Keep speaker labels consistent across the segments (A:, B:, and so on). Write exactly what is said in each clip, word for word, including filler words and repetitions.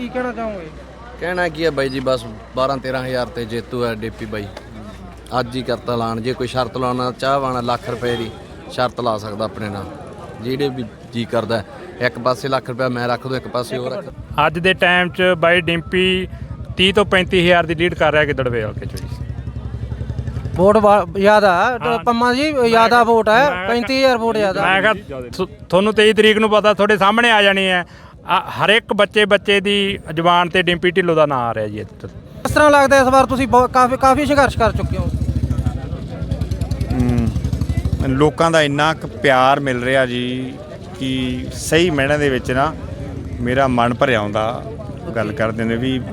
A: ਕੀ ਕਹਿਣਾ ਚਾਹੋਗੇ?
B: ਕਹਿਣਾ ਕੀ ਹੈ ਬਾਈ ਜੀ, ਬਸ ਬਾਰਾਂ ਤੇਰਾਂ ਹਜ਼ਾਰ ਤੇ ਜੇਤੂ ਹੈ ਡੀਪੀ ਬਾਈ। ਅੱਜ ਹੀ ਕਰਤਾ ਐਲਾਨ। ਜੇ ਕੋਈ ਸ਼ਰਤ ਲਾਉਣਾ ਚਾਹਵਾਨਾ ਲੱਖ ਰੁਪਏ ਦੀ ਸ਼ਰਤ ਲਾ ਸਕਦਾ ਆਪਣੇ ਨਾਲ, ਜਿਹੜੇ ਵੀ ਜੀ ਕਰਦਾ। ਇੱਕ ਪਾਸੇ ਲੱਖ ਰੁਪਇਆ ਮੈਂ ਰੱਖ ਦੋ, ਇੱਕ ਪਾਸੇ ਉਹ ਰੱਖ।
C: ਅੱਜ ਦੇ ਟਾਈਮ 'ਚ ਬਾਈ ਡਿੰਪੀ ਤੀਹ ਤੋਂ ਪੈਂਤੀ ਹਜ਼ਾਰ ਦੀ ਲੀਡ ਕਰ ਰਿਹਾ ਗਿੱਦੜਵੇ ਹਲਕੇ 'ਚ ਜੀ।
A: ਵੋਟ ਜ਼ਿਆਦਾ ਪੰਮਾ ਜੀ, ਜ਼ਿਆਦਾ ਵੋਟ ਹੈ, ਪੈਂਤੀ ਹਜ਼ਾਰ ਵੋਟ ਜ਼ਿਆਦਾ।
C: ਮੈਂ ਕਿਹਾ ਤੁਹਾਨੂੰ ਤੇਈ ਤਰੀਕ ਨੂੰ ਪਤਾ ਤੁਹਾਡੇ ਸਾਹਮਣੇ ਆ ਜਾਣੀ ਹੈ। ਹਰ ਇੱਕ ਬੱਚੇ ਬੱਚੇ ਦੀ ਜ਼ੁਬਾਨ ਤੇ ਡਿੰਪੀ ਢਿੱਲੋਂ ਦਾ ਨਾਂ ਆ ਰਿਹਾ ਜੀ ਇੱਥੇ।
A: ਕਿਸ ਤਰ੍ਹਾਂ ਲੱਗਦਾ ਇਸ ਵਾਰ ਤੁਸੀਂ ਕਾਫੀ ਕਾਫੀ ਸੰਘਰਸ਼ ਕਰ ਚੁੱਕੇ ਹੋ?
D: ਲੋਕਾਂ ਦਾ ਇੰਨਾ ਕੁ ਪਿਆਰ ਮਿਲ ਰਿਹਾ ਜੀ ਕਿ ਸਹੀ ਮਾਇਨੇ ਦੇ ਵਿੱਚ ਨਾ ਮੇਰਾ ਮਨ ਭਰਿਆ ਆਉਂਦਾ। ਗੱਲ ਕਰਦੇ ਨੇ ਵੀ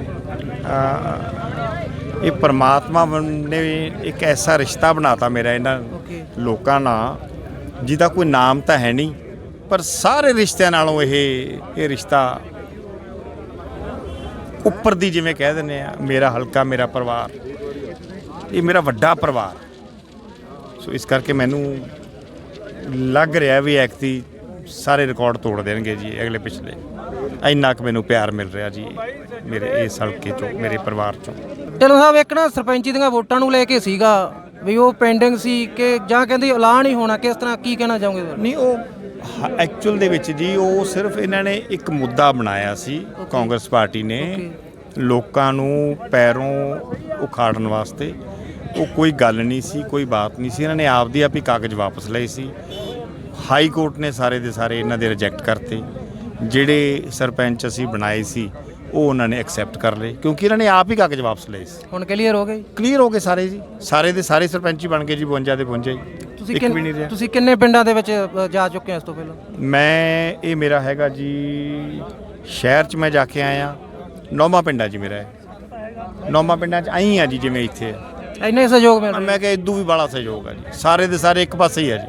D: ਇਹ ਪਰਮਾਤਮਾ ਨੇ ਇੱਕ ਐਸਾ ਰਿਸ਼ਤਾ ਬਣਾਤਾ ਮੇਰਾ ਇਹਨਾਂ ਲੋਕਾਂ ਨਾਲ, ਜਿਹਦਾ ਕੋਈ ਨਾਮ ਤਾਂ ਹੈ ਨਹੀਂ, ਪਰ ਸਾਰੇ ਰਿਸ਼ਤਿਆਂ ਨਾਲੋਂ ਇਹ ਇਹ ਰਿਸ਼ਤਾ ਉੱਪਰ ਦੀ, ਜਿਵੇਂ ਕਹਿ ਦਿੰਦੇ ਆ ਮੇਰਾ ਹਲਕਾ, ਮੇਰਾ ਪਰਿਵਾਰ, ਇਹ ਮੇਰਾ ਵੱਡਾ ਪਰਿਵਾਰ। ਸੋ ਇਸ ਕਰਕੇ ਮੈਨੂੰ ਲੱਗ ਰਿਹਾ ਵੀ ਐਕਤੀ ਸਾਰੇ ਰਿਕਾਰਡ ਤੋੜ ਦੇਣਗੇ ਜੀ ਅਗਲੇ ਪਿਛਲੇ। ਇੰਨਾ ਕੁ ਮੈਨੂੰ ਪਿਆਰ ਮਿਲ ਰਿਹਾ ਜੀ ਮੇਰੇ ਇਸ ਹਲਕੇ 'ਚੋਂ, ਮੇਰੇ ਪਰਿਵਾਰ 'ਚੋਂ।
A: ਢਿੱਲੋਂ ਸਾਹਿਬ, ਇੱਕ ਨਾ ਸਰਪੰਚੀ ਦੀਆਂ ਵੋਟਾਂ ਨੂੰ ਲੈ ਕੇ ਸੀਗਾ ਵੀ ਉਹ ਪੈਂਡਿੰਗ ਸੀ ਕਿ ਜਾਂ ਕਹਿੰਦੇ ਐਲਾਨ ਹੀ ਹੋਣਾ, ਕਿਸ ਤਰ੍ਹਾਂ ਕੀ ਕਹਿਣਾ ਚਾਹੋਗੇ?
D: ਨਹੀਂ, ਉਹ ਐਕਚੁਅਲ ਦੇ ਵਿੱਚ ਜੀ ਉਹ ਸਿਰਫ ਇਹਨਾਂ ਨੇ ਇੱਕ ਮੁੱਦਾ ਬਣਾਇਆ ਸੀ, ਕਾਂਗਰਸ ਪਾਰਟੀ ਨੇ, ਲੋਕਾਂ ਨੂੰ ਪੈਰੋਂ ਉਖਾੜਨ ਵਾਸਤੇ। ਉਹ ਕੋਈ ਗੱਲ ਨਹੀਂ ਸੀ, ਕੋਈ ਬਾਤ ਨਹੀਂ ਸੀ। ਇਹਨਾਂ ਨੇ ਆਪਦੀ ਆਪ ਹੀ ਕਾਗਜ਼ ਵਾਪਸ ਲਏ ਸੀ। ਹਾਈ ਕੋਰਟ ਨੇ ਸਾਰੇ ਦੇ ਸਾਰੇ ਇਹਨਾਂ ਦੇ ਰਿਜੈਕਟ ਕਰਤੇ। ਜਿਹੜੇ ਸਰਪੰਚ ਅਸੀਂ ਬਣਾਏ ਸੀ ਉਹ ਉਹਨਾਂ ਨੇ ਐਕਸੈਪਟ ਕਰ ਲਏ, ਕਿਉਂਕਿ ਇਹਨਾਂ ਨੇ ਆਪ ਹੀ ਕਾਗਜ਼ ਵਾਪਸ ਲਏ ਸੀ।
A: ਹੁਣ ਕਲੀਅਰ ਹੋ ਗਏ?
D: ਕਲੀਅਰ ਹੋ ਗਏ ਸਾਰੇ ਜੀ, ਸਾਰੇ ਦੇ ਸਾਰੇ ਸਰਪੰਚ ਹੀ ਬਣ ਗਏ ਜੀ, ਬਵੰਜਾ ਦੇ ਬਵੰਜਾ ਹੀ।
A: ਤੁਸੀਂ ਕਿੰਨੇ ਤੁਸੀਂ ਕਿੰਨੇ ਪਿੰਡਾਂ ਦੇ ਵਿੱਚ ਜਾ ਚੁੱਕੇ ਹੋ ਇਸ ਤੋਂ ਪਹਿਲਾਂ?
D: ਮੈਂ ਇਹ ਮੇਰਾ ਹੈਗਾ ਜੀ, ਸ਼ਹਿਰ 'ਚ ਮੈਂ ਜਾ ਕੇ ਆਇਆ, ਨੌਵਾਂ ਪਿੰਡਾਂ ਜੀ ਮੇਰਾ ਹੈ। ਨੌਵਾਂ ਪਿੰਡਾਂ 'ਚ ਆਈ ਆ ਜੀ, ਜਿਵੇਂ ਇੱਥੇ
A: ਇੰਨੇ ਸਹਿਯੋਗ ਮਿਲ ਰਿਹਾ।
D: ਮੈਂ ਕਿਹਾ ਇਦੋਂ ਵੀ ਬੜਾ ਸਹਿਯੋਗ ਆ ਜੀ, ਸਾਰੇ ਦੇ ਸਾਰੇ ਇੱਕ ਪਾਸੇ ਹੀ ਆ ਜੀ।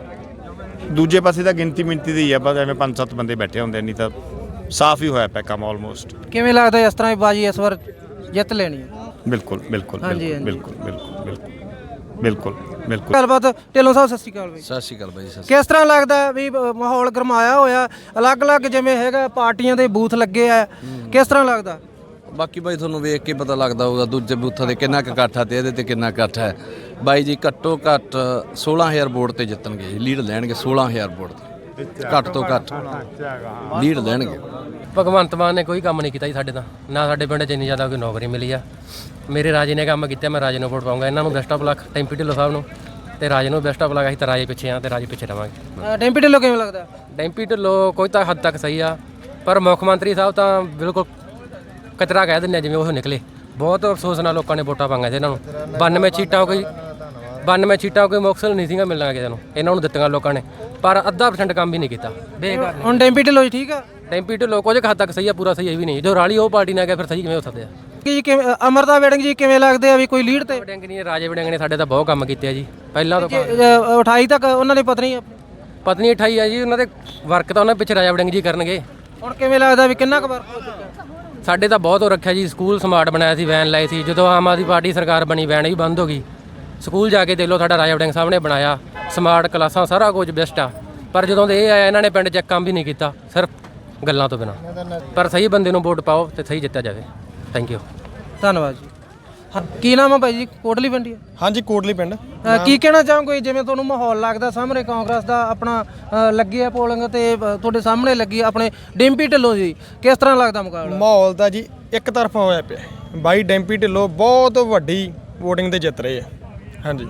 D: ਦੂਜੇ ਪਾਸੇ ਤਾਂ ਗਿਣਤੀ ਮਿੰਤੀ ਦੀ ਆ, ਬਸ ਐਵੇਂ ਪੰਜ ਸੱਤ ਬੰਦੇ ਬੈਠੇ ਹੁੰਦੇ, ਨਹੀਂ ਤਾਂ ਸਾਫ਼ ਹੀ ਹੋਇਆ ਪਿਆ ਕੰਮ ਆਲਮੋਸਟ।
A: ਕਿਵੇਂ ਲੱਗਦਾ ਇਸ ਤਰ੍ਹਾਂ ਬਾਜੀ ਇਸ ਵਾਰ ਜਿੱਤ ਲੈਣੀ ਹੈ?
D: ਬਿਲਕੁਲ ਬਿਲਕੁਲ ਬਿਲਕੁਲ ਬਿਲਕੁਲ ਬਿਲਕੁਲ ਬਿਲਕੁਲ ਬਿਲਕੁਲ।
A: ਗੱਲਬਾਤ ਢਿੱਲੋਂ ਸਾਹਿਬ, ਸਤਿ ਸ਼੍ਰੀ ਅਕਾਲ ਬਾਈ।
B: ਸਤਿ ਸ਼੍ਰੀ ਅਕਾਲ ਬਾਈ ਜੀ।
A: ਕਿਸ ਤਰ੍ਹਾਂ ਲੱਗਦਾ ਵੀ ਮਾਹੌਲ ਗਰਮਾਇਆ ਹੋਇਆ, ਅਲੱਗ-ਅਲੱਗ ਜਿਵੇਂ ਹੈਗਾ ਪਾਰਟੀਆਂ ਦੇ ਬੂਥ ਲੱਗੇ ਆ, ਕਿਸ ਤਰ੍ਹਾਂ ਲੱਗਦਾ?
B: ਬਾਕੀ ਬਾਈ ਤੁਹਾਨੂੰ ਵੇਖ ਕੇ ਪਤਾ ਲੱਗਦਾ ਹੋਊਗਾ ਦੂਜੇ ਬੂਥਾਂ ਦੇ ਕਿੰਨਾ ਕੁ ਇਕੱਠ ਹੈ ਤੇ ਇਹਦੇ ਤੇ ਕਿੰਨਾ ਇਕੱਠ ਹੈ। ਬਾਈ ਜੀ ਘੱਟੋ ਘੱਟ ਸੋਲਾਂ ਹਜ਼ਾਰ ਵੋਟ ਤੇ ਜਿੱਤਣਗੇ ਜੀ, ਲੀਡ ਲੈਣਗੇ ਸੋਲਾਂ ਹਜ਼ਾਰ ਵੋਟ ਤੇ, ਘੱਟ ਤੋਂ ਘੱਟ ਲੀਡ ਲੈਣਗੇ।
E: ਭਗਵੰਤ ਮਾਨ ਨੇ ਕੋਈ ਕੰਮ ਨਹੀਂ ਕੀਤਾ ਜੀ ਸਾਡੇ ਤਾਂ, ਨਾ ਸਾਡੇ ਪਿੰਡ 'ਚ ਇੰਨੀ ਜ਼ਿਆਦਾ ਕੋਈ ਨੌਕਰੀ ਮਿਲੀ ਆ। ਮੇਰੇ ਰਾਜੇ ਨੇ ਕੰਮ ਕੀਤਾ, ਮੈਂ ਰਾਜੇ ਨੂੰ ਵੋਟ ਪਾਊਂਗਾ। ਇਹਨਾਂ ਨੂੰ best of luck, Dimpy Dhillon Sahib ਨੂੰ, ਤੇ ਰਾਜੇ ਨੂੰ ਬੈਸਟ ਆਫ ਲੱਕ। ਅਸੀਂ ਤਾਂ ਰਾਜੇ ਪਿੱਛੇ ਆ ਤੇ ਰਾਜੇ ਪਿੱਛੇ ਰਵਾਂਗੇ।
A: ਡਿੰਪੀ ਢਿੱਲੋਂ ਕਿਵੇਂ ਲੱਗਦਾ?
E: ਡਿੰਪੀ ਢਿੱਲੋਂ ਕੋਈ ਤਾਂ ਹੱਦ ਤੱਕ ਸਹੀ ਆ, ਪਰ ਮੁੱਖ ਮੰਤਰੀ ਸਾਹਿਬ ਤਾਂ ਬਿਲਕੁਲ ਕਚਰਾ ਕਹਿ ਦਿੰਦੇ ਆ ਜਿਵੇਂ ਉਹ ਨਿਕਲੇ। ਬਹੁਤ ਅਫਸੋਸ ਨਾਲ ਲੋਕਾਂ ਨੇ ਵੋਟਾਂ ਪਾਈਆਂ ਸੀ ਇਹਨਾਂ ਨੂੰ। ਬਾਨਵੇਂ ਸੀਟਾਂ ਕੋਈ ਬਾਨਵੇਂ ਸੀਟਾਂ ਕੋਈ ਮੁਕਸਲ ਨਹੀਂ ਸੀਗਾ ਮਿਲਣਾ ਕਿਸੇ ਨੂੰ, ਇਹਨਾਂ ਨੂੰ ਦਿੱਤੀਆਂ ਲੋਕਾਂ ਨੇ, ਪਰ ਅੱਧਾ ਪਰਸੈਂਟ ਕੰਮ ਵੀ ਨਹੀਂ ਕੀਤਾ। ਬੇਕਾਰ ਨੇ।
A: ਹੁਣ ਡਿੰਪੀ ਢਿੱਲੋਂ ਠੀਕ ਆ?
E: ਡਿੰਪੀ ਢਿੱਲੋਂ ਕੁਝ ਹੱਦ ਤੱਕ ਸਹੀ ਆ, ਪੂਰਾ ਸਹੀ ਵੀ ਨਹੀਂ। ਜੋ ਰਾਲੀ ਉਹ ਪਾਰਟੀ ਨਾਲ ਗਿਆ ਫਿਰ ਸਹੀ ਕਿਵੇਂ ਹੋ ਸਕਦੇ ਆ?
A: ਕੀ ਕਿਵੇਂ ਅਮਰਤਾ ਵੜਿੰਗ ਜੀ ਕਿਵੇਂ ਲੱਗਦੇ ਆ ਵੀ ਕੋਈ ਲੀਡ ਤੇ?
E: ਵੜਿੰਗ ਨਹੀਂ, ਰਾਜੇ ਵੜਿੰਗ ਨੇ ਸਾਡੇ ਤਾਂ ਬਹੁਤ ਕੰਮ ਕੀਤੇ ਆ ਜੀ ਪਹਿਲਾਂ ਤੋਂ।
A: ਅਠਾਈ ਤੱਕ ਉਹਨਾਂ ਦੀ ਪਤਨੀ
E: ਪਤਨੀ ਅਠਾਈ ਆ ਜੀ, ਉਹਨਾਂ ਦੇ ਵਰਕ ਤਾਂ ਉਹਨਾਂ ਪਿੱਛੇ ਰਾਜਾ ਵੜਿੰਗ ਜੀ ਕਰਨਗੇ।
A: ਹੁਣ ਕਿਵੇਂ ਲੱਗਦਾ ਵੀ ਕਿੰਨਾ ਕੁ ਵਰਕ ਹੋ ਚੁੱਕਾ?
E: ਸਾਡੇ ਤਾਂ ਬਹੁਤ ਹੋ ਰੱਖਿਆ ਜੀ। ਸਕੂਲ ਸਮਾਰਟ ਬਣਾਇਆ ਸੀ, ਵੈਨ ਲਾਈ ਸੀ। ਜਦੋਂ ਆਮ ਆਦਮੀ ਪਾਰਟੀ ਸਰਕਾਰ ਬਣੀ ਵੈਨ ਵੀ ਬੰਦ ਹੋ ਗਈ। ਸਕੂਲ ਜਾ ਕੇ ਦੇਖ ਲਓ, ਸਾਡਾ ਰਾਜਾ ਵੜਿੰਗ ਸਾਹਿਬ ਨੇ ਬਣਾਇਆ, ਸਮਾਰਟ ਕਲਾਸਾਂ, ਸਾਰਾ ਕੁਝ ਬੈਸਟ ਆ। ਪਰ ਜਦੋਂ ਦੇ ਇਹ ਆਇਆ ਇਹਨਾਂ ਨੇ ਪਿੰਡ 'ਚ ਕੰਮ ਵੀ ਨਹੀਂ ਕੀਤਾ, ਸਿਰਫ ਗੱਲਾਂ ਤੋਂ ਬਿਨਾਂ। ਪਰ ਸਹੀ ਬੰਦੇ ਨੂੰ ਵੋਟ ਪਾਓ ਤੇ ਸਹੀ ਜਿੱਤਿਆ ਜਾਵੇ। ਥੈਂਕ ਯੂ,
A: ਧੰਨਵਾਦ ਜੀ। ਕੀ ਨਾਮ ਆ ਭਾਈ ਜੀ? ਕੋਟਲੀ ਪਿੰਡ?
F: ਹਾਂਜੀ, ਕੋਟਲੀ ਪਿੰਡ।
A: ਕੀ ਕਹਿਣਾ ਚਾਹੋਗੇ ਜਿਵੇਂ ਤੁਹਾਨੂੰ ਮਾਹੌਲ ਲੱਗਦਾ ਸਾਹਮਣੇ ਕਾਂਗਰਸ ਦਾ ਆਪਣਾ ਲੱਗੀ ਹੈ ਪੋਲਿੰਗ ਤੇ ਤੁਹਾਡੇ ਸਾਹਮਣੇ ਲੱਗੀ ਆਪਣੇ ਡਿੰਪੀ ਢਿੱਲੋਂ ਜੀ, ਕਿਸ ਤਰ੍ਹਾਂ ਲੱਗਦਾ ਮੁਕਾਬਲਾ?
F: ਮਾਹੌਲ ਤਾਂ ਜੀ ਇੱਕ ਤਰਫਾ ਹੋਇਆ ਪਿਆ। ਬਾਈ ਡਿੰਪੀ ਢਿੱਲੋਂ ਬਹੁਤ ਵੱਡੀ ਵੋਟਿੰਗ ਤੇ ਜਿੱਤ ਰਹੇ ਆ। ਹਾਂਜੀ,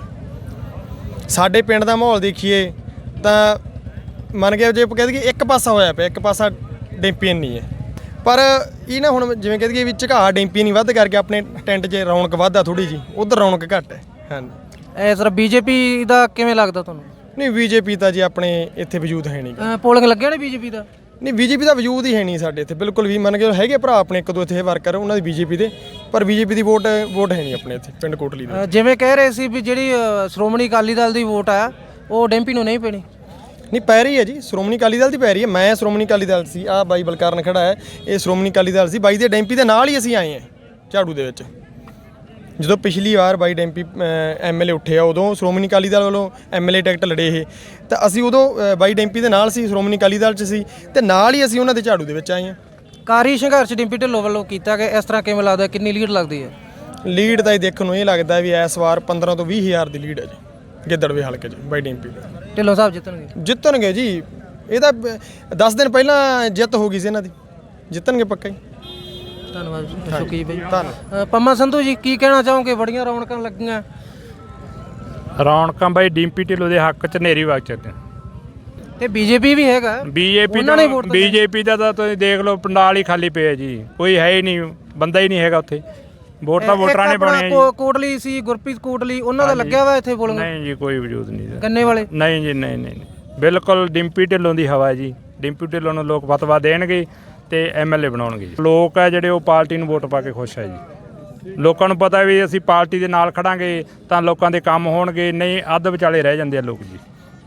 F: ਸਾਡੇ ਪਿੰਡ ਦਾ ਮਾਹੌਲ ਦੇਖੀਏ ਤਾਂ ਮੰਨ ਗਿਆ ਜੇ ਕਹਿ ਦਈਏ ਇੱਕ ਪਾਸਾ ਹੋਇਆ ਪਿਆ, ਇੱਕ ਪਾਸਾ ਡਿੰਪੀ ਨਹੀਂ ਹੈ। ਪਰ ਇਹ ਨਾ ਹੁਣ ਜਿਵੇਂ ਕਹਿ ਦਈਏ ਵੀ ਝੁਕਾਅ ਡਿੰਪੀ ਨਹੀਂ ਵੱਧ ਕਰਕੇ ਆਪਣੇ ਟੈਂਟ 'ਚ ਰੌਣਕ ਵੱਧਦਾ ਥੋੜ੍ਹੀ ਜੀ, ਉੱਧਰ ਰੌਣਕ ਘੱਟ ਹੈ। ਹਾਂਜੀ,
A: ਇਸ ਤਰ੍ਹਾਂ ਬੀਜੇਪੀ ਦਾ ਕਿਵੇਂ ਲੱਗਦਾ ਤੁਹਾਨੂੰ?
F: ਨਹੀਂ, ਬੀਜੇਪੀ ਤਾਂ ਜੀ ਆਪਣੇ ਇੱਥੇ ਵਜੂਦ ਹੈ ਨਹੀਂ।
A: ਪੋਲਿੰਗ ਲੱਗਿਆ ਨਹੀਂ ਬੀਜੇਪੀ ਦਾ?
F: ਨਹੀਂ, ਬੀਜੇਪੀ ਦਾ ਵਜੂਦ ਹੀ ਹੈ ਨਹੀਂ ਸਾਡੇ ਇੱਥੇ ਬਿਲਕੁਲ ਵੀ। ਮੰਨ ਕੇ ਹੈਗੇ ਭਰਾ ਆਪਣੇ ਇੱਕ ਦੋ ਇੱਥੇ ਵਰਕਰ ਉਹਨਾਂ ਦੀ ਬੀਜੇਪੀ ਦੇ, ਪਰ ਬੀਜੇਪੀ ਦੀ ਵੋਟ ਵੋਟ ਹੈ ਨਹੀਂ ਆਪਣੇ ਇੱਥੇ ਪਿੰਡ ਕੋਟਲੀ ਦੇ।
A: ਜਿਵੇਂ ਕਹਿ ਰਹੇ ਸੀ ਵੀ ਜਿਹੜੀ ਸ਼੍ਰੋਮਣੀ ਅਕਾਲੀ ਦਲ ਦੀ ਵੋਟ ਆ ਉਹ ਡਿੰਪੀ ਨੂੰ ਨਹੀਂ ਪੈਣੀ।
F: ਨਹੀਂ, ਪੈ ਰਹੀ ਹੈ ਜੀ, ਸ਼੍ਰੋਮਣੀ ਅਕਾਲੀ ਦਲ ਦੀ ਪੈ ਰਹੀ ਹੈ। ਮੈਂ ਸ਼੍ਰੋਮਣੀ ਅਕਾਲੀ ਦਲ ਸੀ, ਆਹ ਬਾਈ ਬਲਕਾਰਨ ਖੜਾ ਹੈ, ਇਹ ਸ਼੍ਰੋਮਣੀ ਅਕਾਲੀ ਦਲ ਸੀ। ਬਾਈ ਦੇ ਡੈਂਪੀ ਦੇ ਨਾਲ ਹੀ ਅਸੀਂ ਆਏ ਹਾਂ ਝਾੜੂ ਦੇ ਵਿੱਚ। ਜਦੋਂ ਪਿਛਲੀ ਵਾਰ ਬਾਈ ਡੈਂਪੀ ਐਮ ਐਲ ਏ ਉੱਠਿਆ ਉਦੋਂ ਸ਼੍ਰੋਮਣੀ ਅਕਾਲੀ ਦਲ ਵੱਲੋਂ ਐਮ ਐਲ ਏ ਟਿਕਟ ਲੜੇ ਇਹ, ਤਾਂ ਅਸੀਂ ਉਦੋਂ ਬਾਈ ਡੈਂਪੀ ਦੇ ਨਾਲ ਸੀ, ਸ਼੍ਰੋਮਣੀ ਅਕਾਲੀ ਦਲ 'ਚ ਸੀ, ਅਤੇ ਨਾਲ ਹੀ ਅਸੀਂ ਉਹਨਾਂ ਦੇ ਝਾੜੂ ਦੇ ਵਿੱਚ ਆਏ ਹਾਂ।
A: ਕਾਰੀ ਸੰਘਰਸ਼ ਡਿੰਪੀ ਢਿੱਲੋਂ ਵੱਲੋਂ ਕੀਤਾ ਗਿਆ, ਇਸ ਤਰ੍ਹਾਂ ਕਿਵੇਂ ਲੱਗਦਾ, ਕਿੰਨੀ ਲੀਡ ਲੱਗਦੀ ਹੈ?
F: ਲੀਡ ਤਾਂ ਇਹ ਦੇਖਣ ਨੂੰ ਇਹ ਲੱਗਦਾ ਵੀ ਇਸ ਵਾਰ ਪੰਦਰਾਂ ਤੋਂ ਵੀਹ ਹਜ਼ਾਰ ਦੀ ਲੀਡ ਹੈ ਜੀ ਗਿੱਦੜਵੇ ਹਲਕੇ 'ਚ ਬਾਈ ਡਿੰਪੀ ਦੀ।
A: ਢਿੱਲੋਂ ਸਾਹਿਬ ਜਿੱਤਣਗੇ?
F: ਜਿੱਤਣਗੇ ਜੀ, ਇਹ ਤਾਂ ਦਸ ਦਿਨ ਪਹਿਲਾਂ ਜਿੱਤ ਹੋ ਗਈ ਸੀ ਇਹਨਾਂ ਦੀ, ਜਿੱਤਣਗੇ ਪੱਕਾ ਹੀ।
A: ਧੰਨਵਾਦ ਸ਼ੁਕੀ ਬਾਈ।
F: ਧੰਨਵਾਦ।
A: ਅ, ਪੰਮਾ ਸੰਧੂ ਜੀ ਕੀ ਕਹਿਣਾ ਚਾਹੋਗੇ? ਬੜੀਆਂ ਰੌਣਕਾਂ ਲੱਗੀਆਂ।
C: ਰੌਣਕਾਂ ਬਾਈ ਡਿੰਪੀ ਢਿੱਲੋਂ ਦੇ ਹੱਕ 'ਚ ਨੇਰੀ ਵਗ ਚੱਲਦੇ
A: ਤੇ ਬੀਜੇਪੀ ਵੀ ਹੈਗਾ,
C: ਬੀਜੇਪੀ
A: ਉਹਨਾਂ ਨੇ ਵੋਟ ਤਾਂ
C: ਬੀਜੇਪੀ ਦਾ ਤਾਂ ਤੁਸੀਂ ਦੇਖ ਲਓ ਪੰਡਾਲ ਹੀ ਖਾਲੀ ਪਿਆ ਜੀ, ਕੋਈ ਹੈ ਹੀ ਨਹੀਂ, ਬੰਦਾ ਹੀ ਨਹੀਂ ਹੈਗਾ ਉੱਥੇ। ਵੋਟ ਤਾਂ
A: ਇੱਕ
C: ਵੋਟਰਾਂ ਨੇ
A: ਆਪਣਾ
C: ਪਾਉਣੀ
A: ਕੋ- ਕੋਟਲੀ ਸੀ, ਗੁਰਪ੍ਰੀਤ ਕੋਟਲੀ, ਉਹਨਾਂ ਦਾ ਲੱਗਿਆ ਵਾ ਇੱਥੇ ਬੋਲਣ?
C: ਨਹੀਂ ਜੀ, ਕੋਈ ਵਜੂਦ ਨਹੀਂ ਇਹਦਾ।
A: ਗੰਨੇ ਵਾਲੇ?
C: ਨਹੀਂ ਜੀ, ਨਹੀਂ ਨਹੀਂ ਨਹੀਂ। ਬਿਲਕੁਲ ਡਿੰਪੀ ਢਿੱਲੋਂ ਦੀ ਹਵਾ ਹੈ ਜੀ। ਡਿੰਪੀ ਢਿੱਲੋਂ ਨੂੰ ਲੋਕ ਫਤਵਾ ਦੇਣਗੇ ਤੇ ਐਮਐਲਏ ਬਣਾਉਣਗੇ ਜੀ। ਲੋਕ ਹੈ ਜਿਹੜੇ ਉਹ ਪਾਰਟੀ ਨੂੰ ਵੋਟ ਪਾ ਕੇ ਖੁਸ਼ ਹੈ ਜੀ। ਲੋਕਾਂ ਨੂੰ ਪਤਾ ਵੀ ਅਸੀਂ ਪਾਰਟੀ ਦੇ ਨਾਲ ਖੜਾਂਗੇ ਤਾਂ ਲੋਕਾਂ ਦੇ ਕੰਮ ਹੋਣਗੇ, ਨਹੀਂ ਅੱਧ ਵਿਚਾਲੇ ਰਹਿ ਜਾਂਦੇ ਆ ਲੋਕ ਜੀ।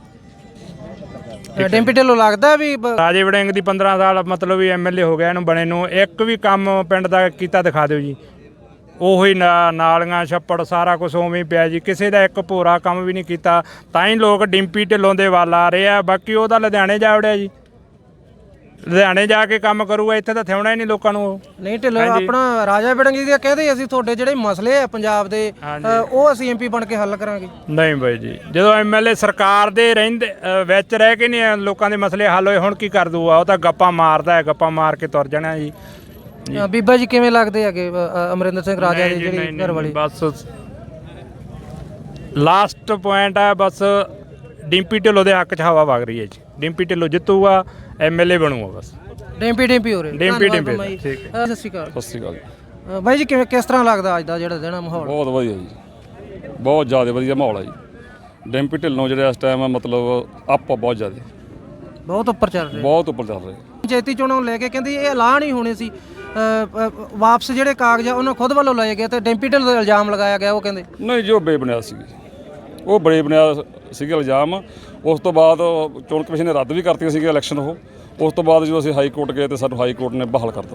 A: ਡਿੰਪੀ ਢਿੱਲੋਂ ਲੱਗਦਾ ਵੀ ਬ-
C: ਰਾਜੇ ਵੜਿੰਗ ਦੀ ਪੰਦਰਾਂ ਸਾਲ ਮਤਲਬ ਵੀ ਐਮਐਲਏ ਹੋ ਗਿਆ ਇਹਨੂੰ ਬਣੇ ਨੂੰ, ਇੱਕ ਵੀ ਕੰਮ ਪਿੰਡ ਦਾ ਕੀਤਾ ਦਿਖਾ ਦਿਓ ਜੀ। ਉਹੀ ਨਾ- ਨਾਲੀਆਂ ਛੱਪੜ ਸਾਰਾ ਕੁਝ ਉਵੇਂ ਹੀ ਪਿਆ ਜੀ, ਕਿਸੇ ਦਾ ਇੱਕ ਭੋਰਾ ਕੰਮ ਵੀ ਨਹੀਂ ਕੀਤਾ, ਤਾਂ ਹੀ ਲੋਕ ਡਿੰਪੀ ਢਿੱਲੋਂ ਦੇ ਵੱਲ ਆ ਰਹੇ ਆ। ਬਾਕੀ ਉਹਦਾ ਲੁਧਿਆਣੇ ਜਾ ਵੜਿਆ ਜੀ, ਲੁਧਿਆਣੇ ਜਾ ਕੇ ਕੰਮ ਕਰੂਗਾ, ਇੱਥੇ ਤਾਂ ਥਿਉਣਾ ਹੀ ਨਹੀਂ ਲੋਕਾਂ ਨੂੰ।
A: ਨਹੀਂ ਢਿੱਲੋਂ ਆਪਣਾ ਰਾਜਾ ਵੜਿੰਗ ਜੀ ਕਹਿੰਦੇ ਅਸੀਂ ਤੁਹਾਡੇ ਜਿਹੜੇ ਮਸਲੇ ਆ ਪੰਜਾਬ ਦੇ ਅ, ਉਹ ਅਸੀਂ ਐਮਪੀ ਬਣ ਕੇ ਹੱਲ ਕਰਾਂਗੇ।
C: ਨਹੀਂ ਬਾਈ ਜੀ, ਜਦੋਂ ਐਮਐਲਏ ਸਰਕਾਰ ਦੇ ਰਹਿੰਦੇ ਅ, ਵਿੱਚ ਰਹਿ ਕੇ ਨਹੀਂ ਲੋਕਾਂ ਦੇ ਮਸਲੇ ਹੱਲ ਹੋਏ, ਹੁਣ ਕੀ ਕਰ ਦੂਗਾ? ਉਹ ਤਾਂ ਗੱਪਾਂ ਮਾਰਦਾ ਹੈ, ਗੱਪਾਂ ਮਾਰ ਕੇ ਤੁਰ ਜਾਣਾ ਜੀ।
A: ਅ, ਬੀਬਾ ਜੀ ਕਿਵੇਂ ਲੱਗਦੇ ਹੈਗੇ ਅ, ਅ, ਅਮਰਿੰਦਰ ਸਿੰਘ ਰਾਜਾ ਦੀ ਜਿਹੜੀ ਘਰ ਵਾਲੀ?
C: ਬਸ ਲਾਸਟ ਪੁਆਇੰਟ ਹੈ, ਬਸ ਡਿੰਪੀ ਢਿੱਲੋਂ ਦੇ ਹੱਕ 'ਚ ਹਵਾ ਵਗ ਰਹੀ ਹੈ ਜੀ। ਡਿੰਪੀ ਢਿੱਲੋਂ ਜਿੱਤੂਗਾ, ਐਮਐਲਏ ਬਣੂਗਾ ਬਸ।
A: ਡਿੰਪੀ ਡਿੰਪੀ ਹੋ ਰਹੇ?
C: ਡਿੰਪੀ
A: ਧੰਨਵਾਦ
C: ਡਿੰਪੀ,
A: ਬਾਈ।
C: ਠੀਕ
A: ਅ, ਸਤਿ ਸ਼੍ਰੀ ਅਕਾਲ।
G: ਸਤਿ ਸ਼੍ਰੀ ਅਕਾਲ ਜੀ।
A: ਅ, ਬਾਈ ਜੀ ਕਿਵੇਂ ਕਿਸ ਤਰ੍ਹਾਂ ਲੱਗਦਾ ਅੱਜ ਦਾ ਜਿਹੜਾ ਦਿਨ ਆ ਮਾਹੌਲ?
G: ਬਹੁਤ ਵਧੀਆ ਜੀ, ਬਹੁਤ ਜ਼ਿਆਦਾ ਵਧੀਆ ਮਾਹੌਲ ਹੈ ਜੀ। ਡਿੰਪੀ ਢਿੱਲੋਂ ਜਿਹੜੇ ਇਸ ਟਾਈਮ ਮਤਲਬ ਅਪ ਬਹੁਤ ਜ਼ਿਆਦਾ,
A: ਬਹੁਤ ਉੱਪਰ ਚੱਲ ਰਿਹਾ।
G: ਬਹੁਤ ਉੱਪਰ ਚੱਲ ਰਹੇ।
A: ਪੰਚਾਇਤੀ ਚੋਣਾਂ ਨੂੰ ਲੈ ਕੇ ਕਹਿੰਦੀ ਇਹ ਐਲਾਨ ਹੀ ਹੋਣੇ ਸੀ, ਅ, ਅ, ਵਾਪਸ ਜਿਹੜੇ ਕਾਗਜ਼ ਆ ਉਹਨਾਂ ਖੁਦ ਵੱਲੋਂ ਲਏ ਗਏ ਤੇ ਡਿੰਪੀ ਢਿੱਲੋਂ ਦਾ ਇਲਜ਼ਾਮ ਲਗਾਇਆ ਗਿਆ। ਉਹ ਕਹਿੰਦੇ
G: ਨਹੀਂ ਜੀ, ਉਹ ਬੇਬੁਨਿਆਦ ਸੀਗੀ, ਉਹ ਬੜੇ ਬੁਨਿਆਦ ਸੀਗੇ ਇਲਜ਼ਾਮ। ਉਸ ਤੋਂ ਬਾਅਦ ਚੋਣ ਕਮਿਸ਼ਨ ਨੇ ਰੱਦ ਵੀ ਕਰਤੀਆਂ ਸੀਗੀਆਂ ਇਲੈਕਸ਼ਨ। ਉਹ ਉਸ ਤੋਂ ਬਾਅਦ ਜਦੋਂ ਅਸੀਂ ਹਾਈ ਕੋਰਟ ਗਏ ਤੇ ਸਾਨੂੰ ਹਾਈ ਕੋਰਟ ਨੇ ਬਹਾਲ ਕਰਤਾ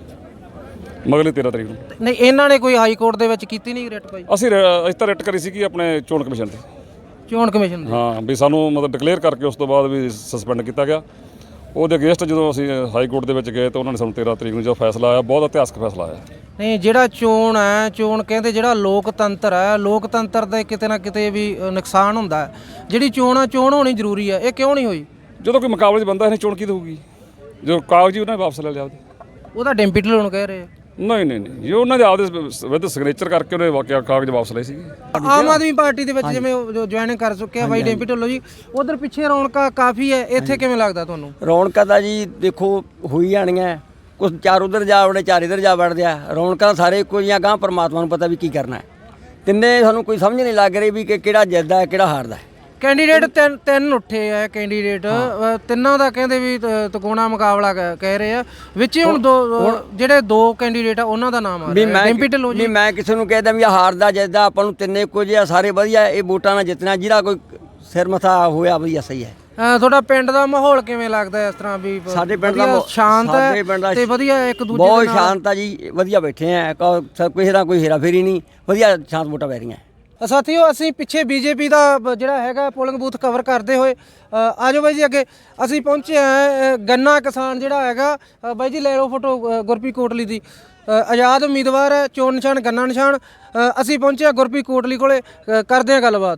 G: ਮਗਲੇ ਤੇਰ੍ਹਾਂ ਤਰੀਕ ਨੂੰ।
A: ਨਹੀਂ ਇਹਨਾਂ ਨੇ ਕੋਈ ਹਾਈ ਕੋਰਟ ਦੇ ਵਿੱਚ ਕੀਤੀ ਨਹੀਂ ਰਿਟ ਭਾਈ?
G: ਅਸੀਂ ਰ- ਅਸੀਂ ਤਾਂ ਰਿਟ ਕਰੀ ਸੀਗੀ ਆਪਣੇ ਚੋਣ ਕਮਿਸ਼ਨ ਤੇ।
A: ਚੋਣ ਕਮਿਸ਼ਨ ਦੇ?
G: ਹਾਂ, ਵੀ ਸਾਨੂੰ ਮਤਲਬ ਡਿਕਲੇਅਰ ਕਰਕੇ ਉਸ ਤੋਂ ਬਾਅਦ ਵੀ ਸਸਪੈਂਡ ਕੀਤਾ ਗਿਆ। ਉਹਦੇ ਅਗੇਂਸਟ ਜਦੋਂ ਅਸੀਂ ਹਾਈ ਕੋਰਟ ਦੇ ਵਿੱਚ ਗਏ ਤਾਂ ਉਹਨਾਂ ਨੇ ਸਾਨੂੰ ਤੇਰ੍ਹਾਂ ਤਰੀਕ ਨੂੰ ਜੋ ਫੈਸਲਾ ਆਇਆ, ਬਹੁਤ ਇਤਿਹਾਸਕ ਫੈਸਲਾ ਆਇਆ।
A: ਨਹੀਂ ਜਿਹੜਾ ਚੋਣ ਹੈ, ਚੋਣ ਕਹਿੰਦੇ ਜਿਹੜਾ ਲੋਕਤੰਤਰ ਹੈ, ਲੋਕਤੰਤਰ ਦਾ ਕਿਤੇ ਨਾ ਕਿਤੇ ਵੀ ਅ, ਨੁਕਸਾਨ ਹੁੰਦਾ ਹੈ। ਜਿਹੜੀ ਚੋਣ ਆ, ਚੋਣ ਹੋਣੀ ਜ਼ਰੂਰੀ ਹੈ, ਇਹ ਕਿਉਂ ਨਹੀਂ ਹੋਈ?
G: ਜਦੋਂ ਕੋਈ ਮੁਕਾਬਲੇ 'ਚ ਬੰਦਾ ਇਹਨੇ ਚੋਣ ਕੀ ਹੋਊਗੀ? ਜੋ ਕਾਗਜ਼ ਹੀ ਉਹਨਾਂ ਨੇ ਵਾਪਸ ਲੈ ਲਿਆ ਉਹਦੇ।
A: ਉਹ ਤਾਂ ਡਿੰਪੀ ਢਿੱਲੋਂ ਨੂੰ ਕਹਿ ਰਹੇ ਆ।
G: ਨਹੀਂ ਨਹੀਂ ਨਹੀਂ, ਜੋ ਉਹਨਾਂ ਦੇ ਆਪਦੇ ਵਿਦ ਸਿਗਨੇਚਰ ਕਰਕੇ ਉਹਨੇ ਵਾਕਿਆ ਕਾਗਜ਼ ਵਾਪਸ ਲਏ ਸੀਗੇ।
A: ਆਮ ਆਦਮੀ ਪਾਰਟੀ ਦੇ ਵਿੱਚ ਜਿਵੇਂ ਜੁਆਇਨ ਕਰ ਚੁੱਕਿਆ ਬਾਈ ਡਿੰਪੀ ਢਿੱਲੋਂ ਜੀ, ਉਧਰ ਪਿੱਛੇ ਰੌਣਕਾਂ ਕਾਫੀ ਹੈ, ਇੱਥੇ ਕਿਵੇਂ ਲੱਗਦਾ ਤੁਹਾਨੂੰ?
H: ਰੌਣਕਾਂ ਤਾਂ ਜੀ ਦੇਖੋ ਹੋਈ ਜਾਣੀਆਂ, ਕੁਛ ਚਾਰ ਉਧਰ ਜਾ ਵੜੇ, ਚਾਰ ਇੱਧਰ ਜਾ ਵੜਦੇ ਆ। ਰੌਣਕਾਂ ਸਾਰੇ ਇੱਕੋ ਜਿਹੀਆਂ, ਗਾਂ ਪਰਮਾਤਮਾ ਨੂੰ ਪਤਾ ਵੀ ਕੀ ਕਰਨਾ ਹੈ। ਤਿੰਨੇ ਸਾਨੂੰ ਕੋਈ ਸਮਝ ਨਹੀਂ ਲੱਗ ਰਹੀ ਵੀ ਕਿ ਕਿਹੜਾ ਜਿੱਤਦਾ ਹੈ ਕਿਹੜਾ ਹਾਰਦਾ ਹੈ।
A: ਕੈਂਡੀਡੇਟ ਤਿੰਨ ਤਿੰਨ ਉੱਠੇ ਆ ਕੈਂਡੀਡੇਟ, ਅ, ਤਿੰਨਾਂ ਦਾ ਕਹਿੰਦੇ ਵੀ ਤ- ਤਕੋਣਾ ਮੁਕਾਬਲਾ ਕ- ਕਹਿ ਰਹੇ ਆ। ਵਿੱਚ ਹੁਣ ਦੋ ਅ, ਜਿਹੜੇ ਦੋ ਕੈਂਡੀਡੇਟ ਆ ਉਹਨਾਂ ਦਾ ਨਾਮ ਆ
H: ਵੀ
A: ਰਿਹਾ
H: ਮੈਂ
A: ਡਿੰਪੀ ਢਿੱਲੋਂ
H: ਵੀ
A: ਜੀ।
H: ਮੈਂ ਕਿਸੇ ਨੂੰ ਕਹਿਦਾ ਵੀ ਆਹ ਹਾਰਦਾ ਜਿੱਤਦਾ, ਆਪਾਂ ਨੂੰ ਤਿੰਨੇ ਇੱਕੋ ਜਿਹੇ ਆ, ਸਾਰੇ ਵਧੀਆ। ਇਹ ਵੋਟਾਂ ਨਾਲ ਜਿੱਤਣਾ, ਜਿਹਦਾ ਕੋਈ ਸਿਰ ਮੱਥਾ ਹੋਇਆ ਵਧੀਆ ਸਹੀ ਹੈ।
A: ਅ, ਤੁਹਾਡਾ ਪਿੰਡ ਦਾ ਮਾਹੌਲ ਕਿਵੇਂ ਲੱਗਦਾ ਇਸ ਤਰ੍ਹਾਂ ਵੀ?
H: ਸਾਡੇ ਪਿੰਡ ਦਾ
A: ਵਧੀਆ,
H: ਮਾਹੌਲ-
A: ਸ਼ਾਂਤ
H: ਸਾਡੇ ਪਿੰਡ ਦਾ
A: ਹੈ ਤੇ ਵਧੀਆ ਇੱਕ ਦੂਜੇ
H: ਬਹੁਤ
A: ਦੇ ਨਾਲ?
H: ਸ਼ਾਂਤ ਆ ਜੀ, ਵਧੀਆ ਬੈਠੇ ਆ, ਕਿਸੇ ਦਾ ਕੋਈ ਹੇਰਾ ਫੇਰੀ ਨਹੀਂ, ਵਧੀਆ ਸ਼ਾਂਤ ਵੋਟਾਂ ਪੈ ਰਹੀਆਂ।
A: ਸਾਥੀਓ ਅਸੀਂ ਪਿੱਛੇ ਬੀਜੇਪੀ ਦਾ ਬ- ਜਿਹੜਾ ਹੈਗਾ ਪੋਲਿੰਗ ਬੂਥ ਕਵਰ ਕਰਦੇ ਹੋਏ ਅ, ਆਜੋ ਬਾਈ ਜੀ ਅੱਗੇ ਅਸੀਂ ਪਹੁੰਚੇ ਆ ਗੰਨਾ ਕਿਸਾਨ ਜਿਹੜਾ ਹੈਗਾ। ਅ, ਬਾਈ ਜੀ ਲੈ ਲਓ ਫੋਟੋ ਅ, ਗੁਰਪ੍ਰੀਤ ਕੋਟਲੀ ਦੀ। ਅ, ਆਜ਼ਾਦ ਉਮੀਦਵਾਰ ਹੈ, ਚੋਣ ਨਿਸ਼ਾਨ ਗੰਨਾ ਨਿਸ਼ਾਨ। ਅ, ਅਸੀਂ ਪਹੁੰਚੇ ਆ ਗੁਰਪ੍ਰੀਤ ਕੋਟਲੀ ਕੋਲੇ, ਅ, ਕਰਦੇ ਆ ਗੱਲਬਾਤ।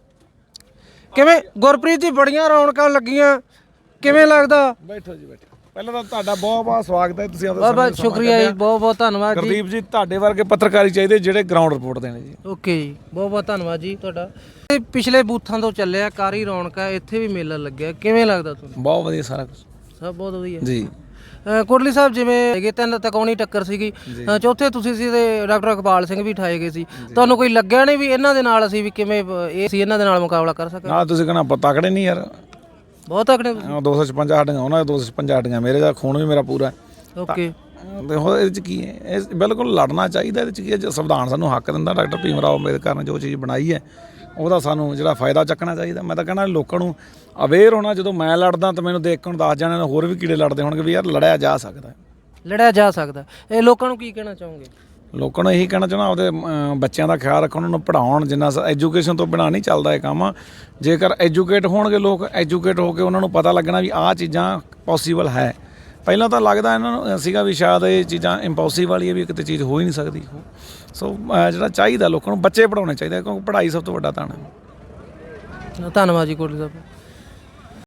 A: ਕਿਵੇਂ ਗੁਰਪ੍ਰੀਤ ਜੀ, ਬੜੀਆਂ ਰੌਣਕਾਂ ਲੱਗੀਆਂ, ਕਿਵੇਂ ਲੱਗਦਾ?
I: ਬੈਠੋ ਜੀ ਬੈਠੋ। ਪਹਿਲਾਂ ਤਾਂ ਤੁਹਾਡਾ ਬਹੁਤ ਬਹੁਤ ਸਵਾਗਤ ਹੈ, ਤੁਸੀਂ
A: ਬਹੁਤ ਬਹੁਤ ਸ਼ੁਕਰੀਆ ਜੀ, ਬਹੁਤ ਬਹੁਤ ਧੰਨਵਾਦ ਜੀ।
I: ਗੁਰਦੀਪ ਜੀ, ਤੁਹਾਡੇ ਵਰਗੇ ਪੱਤਰਕਾਰੀ ਚਾਹੀਦੇ ਜਿਹੜੇ ਗਰਾਊਂਡ ਰਿਪੋਰਟ ਦੇਣੇ ਜੀ।
A: ਓਕੇ ਜੀ, ਬਹੁਤ ਬਹੁਤ ਧੰਨਵਾਦ ਜੀ ਤੁਹਾਡਾ। ਇਹ ਪਿਛਲੇ ਬੂਥਾਂ ਤੋਂ ਚੱਲਿਆ ਕਾਰੀ ਰੌਣਕ ਹੈ, ਇੱਥੇ ਵੀ ਮੇਲਾ ਲੱਗਿਆ, ਕਿਵੇਂ ਲੱਗਦਾ ਤੁਹਾਨੂੰ?
I: ਬਹੁਤ ਵਧੀਆ ਸਾਰਾ ਕੁਝ
A: ਸਭ ਬਹੁਤ ਵਧੀਆ
I: ਜੀ।
A: ਅ, ਕੋਟਲੀ ਸਾਹਿਬ ਜਿਵੇਂ ਹੈਗੇ ਤਿੰਨ ਤਕੌਣੀ ਟੱਕਰ ਸੀਗੀ, ਅ, ਚੌਥੇ ਤੁਸੀਂ ਸੀ ਤੇ ਡਾਕਟਰ ਇਕਬਾਲ ਸਿੰਘ ਵੀ ਠਾਏ ਗਏ ਸੀ। ਤੁਹਾਨੂੰ ਕੋਈ ਲੱਗਿਆ ਨਹੀਂ ਵੀ ਇਹਨਾਂ ਦੇ ਨਾਲ ਅਸੀਂ ਵੀ ਕਿਵੇਂ ਅ, ਇਹ ਸੀ ਇਹਨਾਂ ਦੇ ਨਾਲ ਮੁਕਾਬਲਾ ਕਰ ਸਕਾਂਗੇ?
I: ਨਾਲ ਤੁਸੀਂ ਕਹਿਣਾ ਆਪਾਂ ਤਕੜੇ ਨਹੀਂ ਯਾਰ,
A: ਬਹੁਤ ਤਕੜੇ ਤੁਸੀਂ।
I: ਦੋ ਸੌ ਛਪੰਜਾ ਸਾਡੀਆਂ ਉਹਨਾਂ ਦੇ ਦੋ ਸੌ ਛਪੰਜਾ ਸਾਡੀਆਂ, ਮੇਰੇ ਦਾ ਖੂਨ ਵੀ ਮੇਰਾ ਪੂਰਾ।
A: ਓਕੇ,
I: ਦੇਖੋ ਇਹਦੇ ਚ ਕੀ ਹੈ, ਇਹ ਬਿਲਕੁਲ ਲੜਨਾ ਚਾਹੀਦਾ। ਇਹਦੇ ਚ ਕੀ ਹੈ, ਜੋ ਸੰਵਿਧਾਨ ਸਾਨੂੰ ਹੱਕ ਦਿੰਦਾ, ਡਾਕਟਰ ਭੀਮ ਰਾਓ ਅੰਬੇਦਕਰ ਨੇ ਜੋ ਚੀਜ਼ ਬਣਾਈ ਹੈ ਉਹਦਾ ਸਾਨੂੰ ਜਿਹੜਾ ਫਾਇਦਾ ਚੱਕਣਾ ਚਾਹੀਦਾ। ਮੈਂ ਤਾਂ ਕਹਿਣਾ ਲੋਕਾਂ ਨੂੰ ਅਵੇਅਰ ਹੋਣਾ। ਜਦੋਂ ਮੈਂ ਲੜਦਾ ਤਾਂ ਮੈਨੂੰ ਦੇਖ ਕੇ ਨੂੰ ਦੱਸ ਜਾਣੇ ਹੋਰ ਵੀ ਕੀੜੇ ਲੜਦੇ ਹੋਣਗੇ ਵੀ ਯਾਰ ਲੜਿਆ ਜਾ ਸਕਦਾ,
A: ਲੜਿਆ ਜਾ ਸਕਦਾ। ਇਹ ਲੋਕਾਂ ਨੂੰ ਕੀ ਕਹਿਣਾ ਚਾਹੋਗੇ?
I: ਲੋਕਾਂ ਨੂੰ ਇਹੀ ਕਹਿਣਾ ਚਾਹੁੰਦਾ ਆਪਦੇ ਅਮ, ਬੱਚਿਆਂ ਦਾ ਖਿਆਲ ਰੱਖਣ, ਉਹਨਾਂ ਨੂੰ ਪੜ੍ਹਾਉਣ। ਜਿੰਨਾ ਐਜੂਕੇਸ਼ਨ ਤੋਂ ਬਿਨਾਂ ਨਹੀਂ ਚੱਲਦਾ ਇਹ ਕੰਮ। ਜੇਕਰ ਐਜੂਕੇਟ ਹੋਣਗੇ ਲੋਕ, ਐਜੂਕੇਟ ਹੋ ਕੇ ਉਹਨਾਂ ਨੂੰ ਪਤਾ ਲੱਗਣਾ ਵੀ ਆਹ ਚੀਜ਼ਾਂ ਪੋਸੀਬਲ ਹੈ, ਪਹਿਲਾਂ ਤਾਂ ਲੱਗਦਾ ਇਹਨਾਂ ਨੂੰ ਸੀਗਾ ਵੀ ਸ਼ਾਇਦ ਇਹ ਚੀਜ਼ਾਂ ਇੰਪੋਸੀਬਲ ਵਾਲੀ ਹੈ ਵੀ ਕਿਤੇ ਚੀਜ਼ ਹੋ ਹੀ ਨਹੀਂ ਸਕਦੀ। ਸੋ ਅਹ ਜਿਹੜਾ ਚਾਹੀਦਾ ਲੋਕਾਂ ਨੂੰ ਬੱਚੇ ਪੜ੍ਹਾਉਣੇ ਚਾਹੀਦੇ ਕਿਉਂਕਿ ਪੜ੍ਹਾਈ ਸਭ ਤੋਂ ਵੱਡਾ ਧਨ ਹੈ।
A: ਧੰਨਵਾਦ ਜੀ ਕੋਟਲੀ ਸਾਹਿਬ।